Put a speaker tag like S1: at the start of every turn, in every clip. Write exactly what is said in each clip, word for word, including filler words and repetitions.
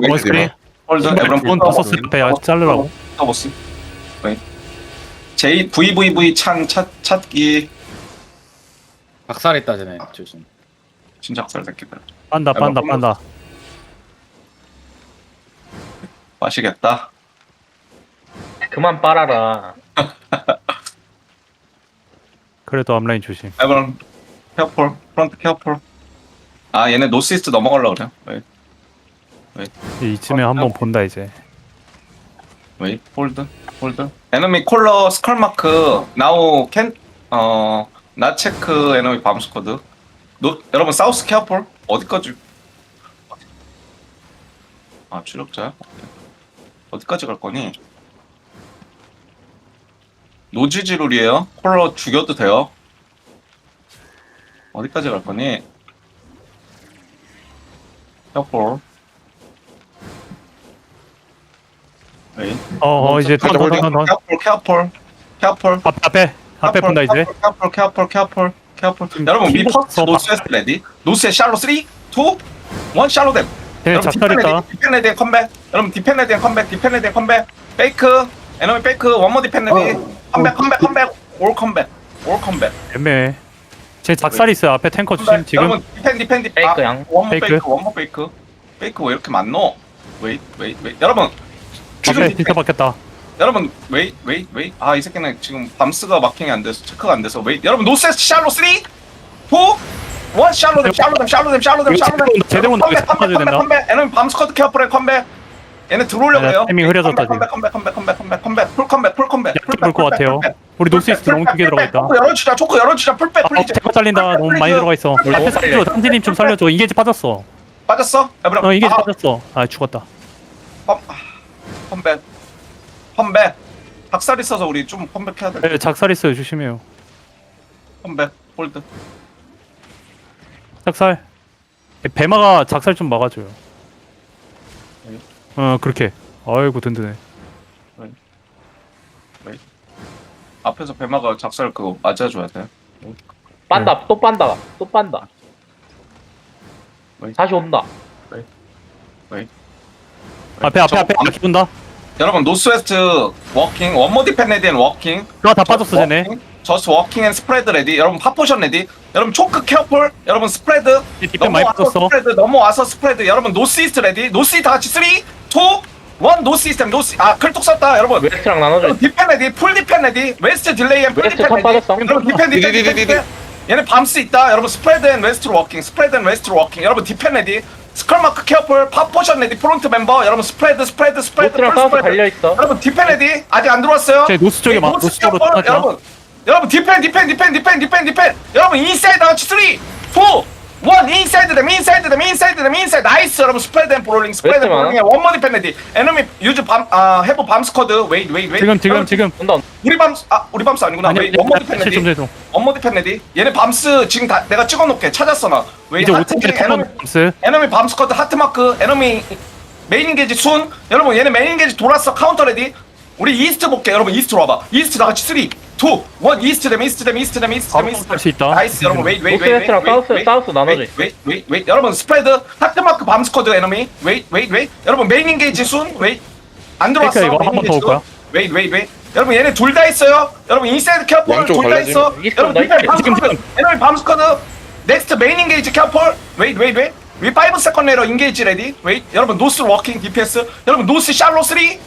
S1: 원스크린.
S2: 홀드 에브런
S1: 본 버서스 옆에 자르라고.
S2: 버스. J V V V 찬 찾, 찾기
S3: 박살했다 쟤네 조심.
S2: 진짜 학살 새끼들.
S1: 빤다 빤다 빤다.
S2: 마시겠다.
S4: 그만 빨아라.
S1: 그래도 앞라인 조심.
S2: 에브런 케어폴 프론트 케어폴. 아 얘네 노스이스트 넘어가려고 그래요. 웨이
S1: 이쯤에 한번 본다 이제.
S2: 웨이 홀드 홀드. 에너미 콜러 스컬 마크 나우 캔어 나체크 에너미 밤스쿼드. 노 여러분 사우스 케어폴 어디까지? 아 추적자야? 어디까지 갈 거니? 노지지룰이에요. 콜러 죽여도 돼요. 어디까지 갈 거니? 케어폴. 웨이.
S1: 어어 이제
S2: 가자,
S1: 턴 턴 턴 턴.
S2: 케어폴 케어폴 케어폴.
S1: 앞 앞에 앞에 본다 이제.
S2: 케어폴 케어폴 케어폴 케어폴.
S1: 지금
S2: 여러분 위
S1: 킹
S2: 퍼스트
S1: 버-
S2: 노스웨스트 레디. 노스에 샬로 삼, 이, 일 샬로 댐.
S1: 쟤네 작살 있다.
S2: 디펜 레디 컴백. 여러분 디펜 레디 컴백. 디펜 레디 컴백. 페이크. 에너미 페이크. 원모 디펜 레디. 컴백 컴백 컴백. 올 컴백. 올 컴백.
S1: 애매해. 쟤 작살 있어요. 앞에 탱커 조심. 지금
S2: 여러분 디펜 디펜 디펜.
S4: 페이크 양.
S2: 원모
S1: 페이크.
S2: 페이크. 원모 페이크. 페이크 왜 이렇게 많노? 웨이 웨이 웨이. 여러분 지금
S1: 앞에
S2: 디펜.
S1: 진짜 박혔다.
S2: 여러분 웨이 웨이 웨이. 아 이 새끼는 지금 밤스가 마킹이 안 돼서 체크가 안 돼서 웨이. 여러분 노스에스 샬로 삼, 이, 일 샬로댐 샬로댐 샬로댐 샬로댐 샬로댐.
S1: 제대로
S2: 컴백
S1: 나가게
S2: 컴백
S1: 잡아줘야
S2: 컴백
S1: 된다.
S2: 컴백. 에너미 밤스쿼드 케어풀에 컴백. 얘네 들어오려고
S1: 야,
S2: 해요.
S1: 타이밍 흐려졌다,
S2: 컴백 컴백 컴백 컴백 컴백 컴백 풀 컴백 풀 컴백.
S1: 약해 볼것 같아요. 우리 노스이스트 너무 크게 들어가 있다.
S2: 초코 열어주자 초코 열어주자 풀백
S1: 아,
S2: 플리즈.
S1: 대박 잘린다. 너무 많이 들어가 있어. 앞에 살려줘. 탄지님 좀 살려줘. 이게지 빠졌어.
S2: 빠졌어? 에브라.
S1: 어 이게지
S2: 아,
S1: 빠졌어. 아 죽었다.
S2: 컴- 아, 컴백 컴백. 박살 있어서 우리 좀 컴백해야 돼.
S1: 네, 작살 있어요. 조심해요.
S2: 컴백 홀드.
S1: 작살. 배마가 작살 좀 막아줘요. 어 그렇게. 아이고 든든해.
S2: 앞에서 배마가 작살 그거 맞아줘야 돼.
S4: 빤다. 또 빤다. 또 빤다.
S2: 왜?
S4: 다시 온다.
S1: 앞에 앞에
S2: 저거
S1: 앞에
S2: 밤-
S1: 이렇게 본다.
S2: 여러분 노스웨스트 워킹 원모 디펜 레디 앤 워킹.
S1: 그거 다 빠졌어 쟤네.
S2: 저스 워킹 앤 스프레드 레디. 여러분 파포션 레디. 여러분 초크 케어폴. 여러분 스프레드.
S1: 디펜 많이
S2: 넘어와서
S1: 빠졌어.
S2: 스프레드 넘어와서 스프레드. 여러분 노스이스트 레디. 노스이스트 다 같이 삼, 이, 일 노스이스트 노스. 아 클뚝 썼다 여러분.
S4: 웨스트랑 나눠줘.
S2: 여러분 디펜 레디. 풀 디펜 레디. 웨스트 딜레이 앤 풀
S4: 웨스트
S2: 디펜
S4: 턴
S2: 레디.
S4: 빠졌어.
S2: 여러분 디펜 디펜 디펜 디펜. 얘네 밤스 있다. 여러분 스프레드 앤 웨스트로 워킹. 스프레드 앤 웨스트로 워킹. 여러분 디펜 레디. 스컬마크 케어폴. 파포션 레디. 프론트 멤버. 여러분 스프레드 스프레드 스프레드.
S4: 노스랑
S2: 풀
S4: 사우스
S2: 스프레드.
S4: 갈려있어.
S2: 여러분 디펜 레디. 아직 안 들어왔어요.
S1: 쟤 노스 쪽에 막 노스 쪽으로
S2: 케어폴.
S1: 떠나죠.
S2: 여러분 여러분 디펜 디펜 디펜 디펜 디펜 디펜. 여러분 인사이드 아웃 삼, 이, 일 인사이드 댐 인사이드 댐 인사이드 댐 인사이드. 나이스. 여러분 스프레드 앤 브롤링 스프레드 앤
S4: 웨스트
S2: 브롤링. 원모 디펜 레디. 에너미 유즈 밤아 해보 밤 스쿼드. 웨이 웨이 웨이.
S1: 지금 지금 지금.
S4: 온다.
S2: 우리 밤스 아 우리 밤스 아니구나.
S1: 아니
S2: 웨이 원모 디펜
S1: 좀
S2: 레디.
S1: 돼도.
S2: 원모 디펜 레디. 얘네 밤스 지금 다 내가 찍어놓게 찾았어 나. 웨이
S1: 이제
S2: 하트
S1: 오천에
S2: 에너미
S1: 턴 밤스.
S2: 에너미 밤 스쿼드 하트 마크. 에너미 메인 인게지 순. 여러분 얘네 메인 인게지 돌았어. 카운터 레디. 우리 이스트 볼게. 여러분 이스트로 와봐. 이스트 다 같이 삼, 이, 일 이스트 댐 이스트 댐 이스트 댐 이스트 댐
S1: 바로
S2: 이스트
S1: 할수 있다.
S2: 나이스. 여러분 웨이 웨이 웨이
S4: 노스웨스트랑 사우스, 사우스 나눠줘.
S2: 웨이 웨이 웨이. 여러분 스프레드 하트 마크 밤 스쿼드 에너미 웨이 웨이 웨이. 여러분 메인 인게지 순 웨이 안 들어왔어.
S1: 그러니까 이거
S2: 메인
S1: 한번 더
S2: 인게지
S1: 올 거야?
S2: 순. 웨이 웨이 웨이. 여러분 얘네 둘 다 있어요. 여러분 인사이드 캐폴
S5: 양쪽
S2: 둘 다
S5: 갈라지네.
S2: 있어.
S4: 이스트
S2: 여러분
S4: 나이스.
S2: 디펜 밤
S1: 지금,
S2: 스쿼드. 에너미 밤 스쿼드. 넥스트 메인 인게이지 캐폴. 웨이 웨이 웨이. 위 오 세컨드 레러 인게이지 레디. 웨이. 여러분 노스 워킹 디피에스. 여러분 노스 샬로 삼, 이,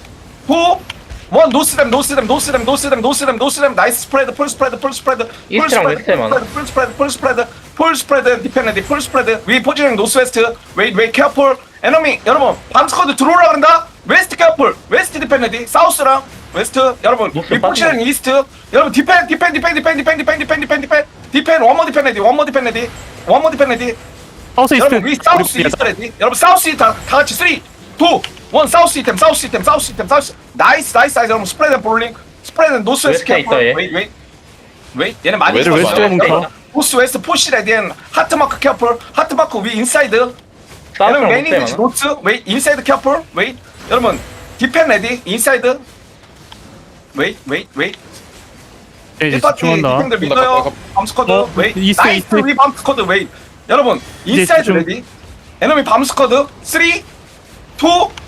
S2: 원 노스댐 노스댐 노스댐 노스댐 노스댐 노스댐. 나이스 스프레드 풀 스프레드 풀 스프레드 풀
S4: 이스트랑
S2: 스프레드
S4: 웨스트에 많아.
S2: 풀 스프레드 풀 스프레드 풀 스프레드 디펜레디 풀 스프레드. 위 포지션 노스웨스트. 웨이 웨이 케어풀. 에너미 여러분 밤스쿼드 들어오라 그런다. 웨스트 케어풀. 웨스트 디펜레디. 사우스랑 웨스트. 여러분
S4: 노스
S2: 위 포지션
S4: 빠지네.
S2: 이스트. 여러분 디펜 디펜 디펜 디펜 디펜 디펜 디펜 디펜 디펜 디펜 원모 디펜레디 원모 디펜레디 원모 디펜레디.
S1: 사우스 이스트.
S2: 여러분 위 사우스 이스트 레디. 여러분 사우스 이스트 다, 다 같이 삼, 이, 일 사우스 시스템 사우스 시스템 사우스 시스템 사우스. 나이스 나이스 나이스. 여러분 스프레드 앤 볼링. 스프레드 앤 노스웨스트
S4: 웨스트에 있다, 얘.
S2: 웨이 웨이 웨이. 얘네 많이
S1: 웨스트 웨스트에 뭉쳐.
S2: 노스 웨스트 푸시 레디 앤 하트마크 케어풀. 하트마크 위 인사이드. 여러분
S4: 사우스랑
S2: 메인
S4: 노스에
S2: 인게지
S4: 많아.
S2: 노스 웨이 인사이드 케어풀. 웨이. 여러분 디펜 레디 인사이드. 웨이 웨이 웨이.
S1: 쟤 이제
S2: 일파티
S1: 집중한다.
S2: 디펜들 믿어요. 밤스쿼드
S1: 어,
S2: 웨이.
S1: 이스트,
S2: 나이스.
S1: 이스트.
S2: 위 밤스쿼드 웨이. 여러분
S1: 이제
S2: 인사이드
S1: 집중.
S2: 레디. 에너미 밤스쿼드 삼, 이,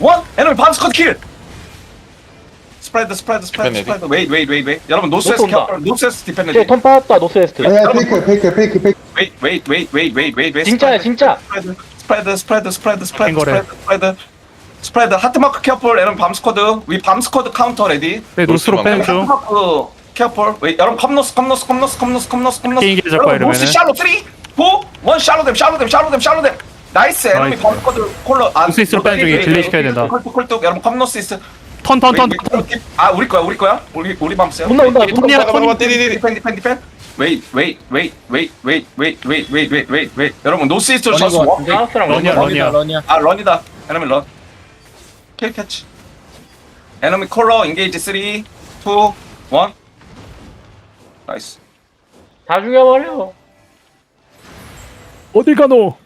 S2: 원 에너미 밤스컷 킬 스프레드 스프레드 스프레드
S3: 디펜
S2: 스프레드 웨이 웨이 웨이 웨이 여러분 노스에스
S4: 노스 온다.
S2: 캐 노스에스 디펜드
S4: 쟤 턴 빠졌다 노스웨스트.
S5: 아니야 페이크 페이크 페이크 페이크
S2: 웨이 웨이 웨이 웨이 웨이 웨이 웨이
S4: 진짜야, 진짜.
S2: 스프레드 스프레드 스프레드 스프레드 스프레드
S1: 거래.
S2: 스프레드 스프레드 스프레드 하트마크 캐플 여러분 밤스쿼드 위 밤스쿼드 카운터 레디
S1: 네 노스로 빼는 중.
S2: 하트마크 캐플 웨이 여러분 컴노스 컴노스 컴노스 컴노스 컴노스 컴노스
S1: 게임 계절 거야,
S2: 여러분 노스
S1: 이러면은.
S2: 샬로 쓰리 포 원 샬로 댐 샬로 댐 샬로 댐 샬로 댐 나이스 에너미
S1: 나이스.
S2: 밤스쿼드 콜러 아
S1: 노스 이스트로 빼는 중이에요. 딜레이 시켜야 된다.
S2: 콜뚝 콜뚝 여러분 컴노스 이스트
S1: 턴턴턴
S2: 아 우리 거야 우리 거야 우리 우리 밤스야
S4: 온다, 온다,
S2: 웨이,
S4: 온다.
S2: 웨이,
S3: 잠깐만,
S2: 웨이,
S3: 띠리리리.
S2: 디펜 디펜 디펜 웨이 웨이 웨이 웨이 웨이 웨이 웨이 웨이 웨이 웨이 웨이 여러분 노스 이스트로
S5: 런인
S2: 셔스
S5: 것
S2: 워
S5: 같은데?
S4: 사우스랑
S1: 런이야,
S4: 런이야.
S1: 런이야.
S5: 런이야
S2: 아 런이다 에너미 런 킬 캐치 에너미 콜러 인게이지 쓰리 투 원 나이스
S4: 다 죽여버려.
S1: 어딜 가노?